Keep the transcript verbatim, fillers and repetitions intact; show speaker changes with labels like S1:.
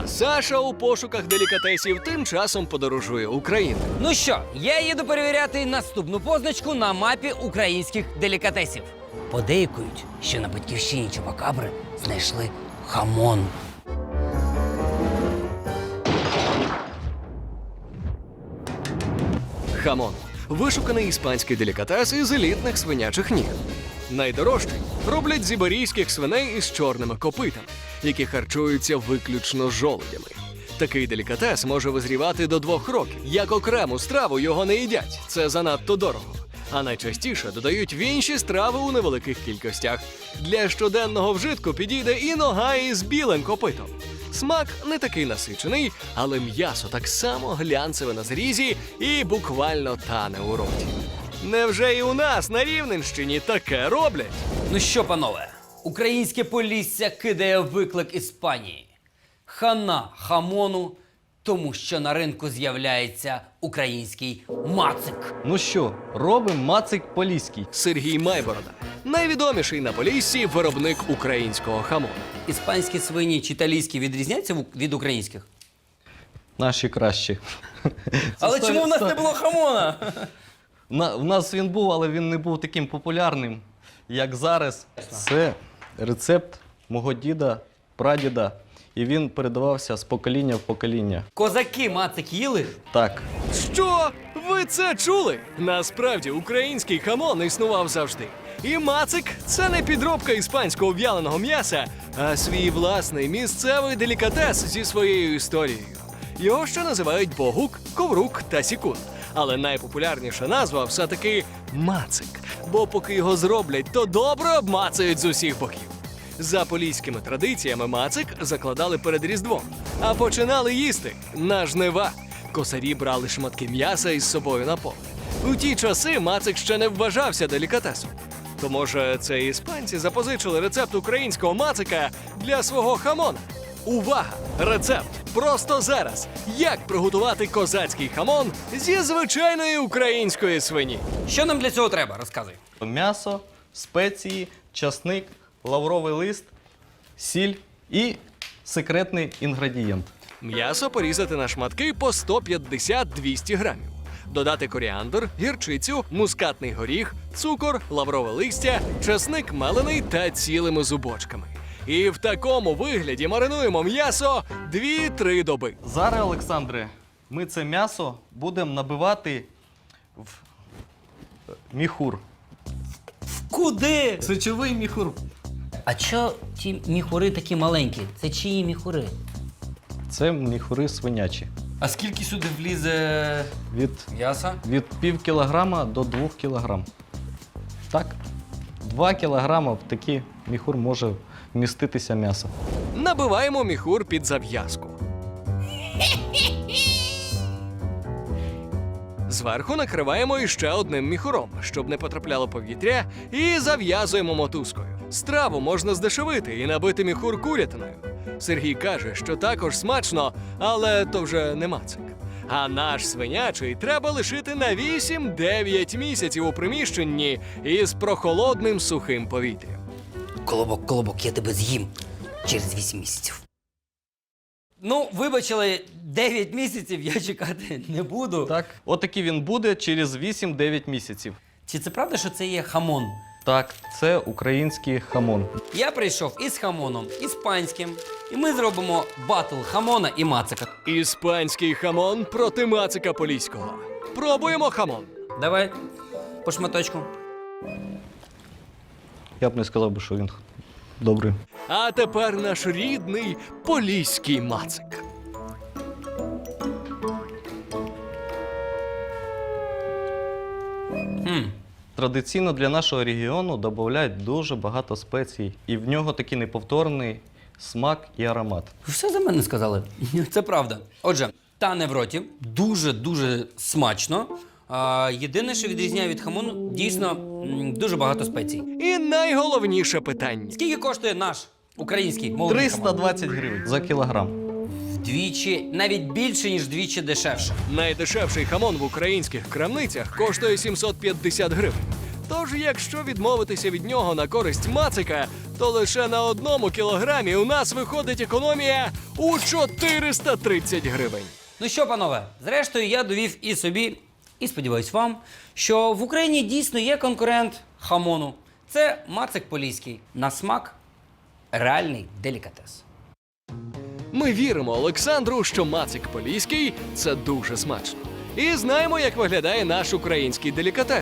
S1: А Саша у пошуках делікатесів тим часом подорожує Україною.
S2: Ну що, я їду перевіряти наступну позначку на мапі українських делікатесів. Подейкують, що на батьківщині Чупакабри знайшли хамон.
S1: Хамон – вишуканий іспанський делікатес із елітних свинячих ніг. Найдорожчий роблять з іберійських свиней із чорними копитами, які харчуються виключно жолудями. Такий делікатес може визрівати до двох років. Як окрему страву його не їдять – це занадто дорого. А найчастіше додають в інші страви у невеликих кількостях. Для щоденного вжитку підійде і нога із білим копитом. Смак не такий насичений, але м'ясо так само глянцеве на зрізі і буквально тане у роті. Невже і у нас на Рівненщині таке роблять?
S2: Ну що, панове, українське Полісся кидає виклик Іспанії. Хана хамону, тому що на ринку з'являється український мацик.
S3: Ну що, робимо мацик поліський.
S1: Сергій Майборода – найвідоміший на Поліссі виробник українського хамону.
S2: Іспанські свині чи італійські відрізняються в- від українських?
S3: Наші кращі.
S2: Але
S3: сто-
S2: чому в нас
S3: сто-
S2: не було хамона?
S3: На, в нас він був, але він не був таким популярним, як зараз. Це рецепт мого діда, прадіда, і він передавався з покоління в покоління.
S2: Козаки мацик їли?
S3: Так.
S1: Що? Ви це чули? Насправді український хамон існував завжди. І мацик – це не підробка іспанського в'яленого м'яса, а свій власний місцевий делікатес зі своєю історією. Його ще називають богук, коврук та сікун. Але найпопулярніша назва все-таки мацик. Бо поки його зроблять, то добре обмацають з усіх боків. За поліськими традиціями мацик закладали перед Різдвом, а починали їсти на жнива. Косарі брали шматки м'яса із собою на поле. У ті часи мацик ще не вважався делікатесом. То, може, це іспанці запозичили рецепт українського мацика для свого хамона? Увага! Рецепт просто зараз! Як приготувати козацький хамон зі звичайної української свині?
S2: Що нам для цього треба? Розказуй.
S3: М'ясо, спеції, часник, лавровий лист, сіль і секретний інгредієнт.
S1: М'ясо порізати на шматки по сто п'ятдесят - двісті грамів. Додати коріандр, гірчицю, мускатний горіх, цукор, лаврове листя, часник мелений та цілими зубочками. І в такому вигляді маринуємо м'ясо дві-три доби.
S3: Зараз, Олександре, ми це м'ясо будемо набивати в міхур.
S2: Куди?
S3: Сечовий міхур.
S2: А чо ті міхури такі маленькі? Це чиї міхури?
S3: Це міхури свинячі.
S2: А скільки сюди влізе
S3: Від,
S2: м'яса?
S3: від пів кілограма до двох кілограм. Так? Два кілограма в такий міхур може вміститися м'ясо.
S1: Набиваємо міхур під зав'язку. Зверху накриваємо іще одним міхуром, щоб не потрапляло повітря, і зав'язуємо мотузкою. Страву можна здешевити і набити міхур курятиною. Сергій каже, що також смачно, але то вже не мацик. А наш свинячий треба лишити на вісім-дев'ять місяців у приміщенні із прохолодним сухим повітрям.
S2: Колобок, колобок, я тебе з'їм через вісім місяців. Ну, вибачили, дев'ять місяців я чекати не буду.
S3: Так. Отакий він буде через вісім-дев'ять місяців.
S2: Чи це правда, що це є хамон?
S3: Так, це український хамон.
S2: Я прийшов із хамоном іспанським, і ми зробимо батл хамона і мацика.
S1: Іспанський хамон проти мацика поліського. Пробуємо хамон.
S2: Давай по шматочку.
S3: Я б не сказав би, що він добрий.
S1: А тепер наш рідний поліський мацик.
S2: Хм.
S3: Традиційно для нашого регіону додають дуже багато спецій, і в нього такий неповторний смак і аромат.
S2: Ви все за мене сказали. Це правда. Отже, тане в роті, дуже-дуже смачно. А, єдине, що відрізняє від хамону, дійсно м, дуже багато спецій.
S1: І найголовніше питання.
S2: Скільки коштує наш український молодий
S3: триста
S2: хамон?
S3: двадцять гривень за кілограм.
S2: Вдвічі, навіть більше, ніж вдвічі дешевше.
S1: Найдешевший хамон в українських крамницях коштує сімсот п'ятдесят гривень. Тож, якщо відмовитися від нього на користь мацика, то лише на одному кілограмі у нас виходить економія у чотириста тридцять гривень.
S2: Ну що, панове, зрештою, я довів і собі, і сподіваюсь вам, що в Україні дійсно є конкурент хамону. Це мацик поліський. На смак реальний делікатес.
S1: Ми віримо Олександру, що мацик поліський – це дуже смачно. І знаємо, як виглядає наш український делікатес.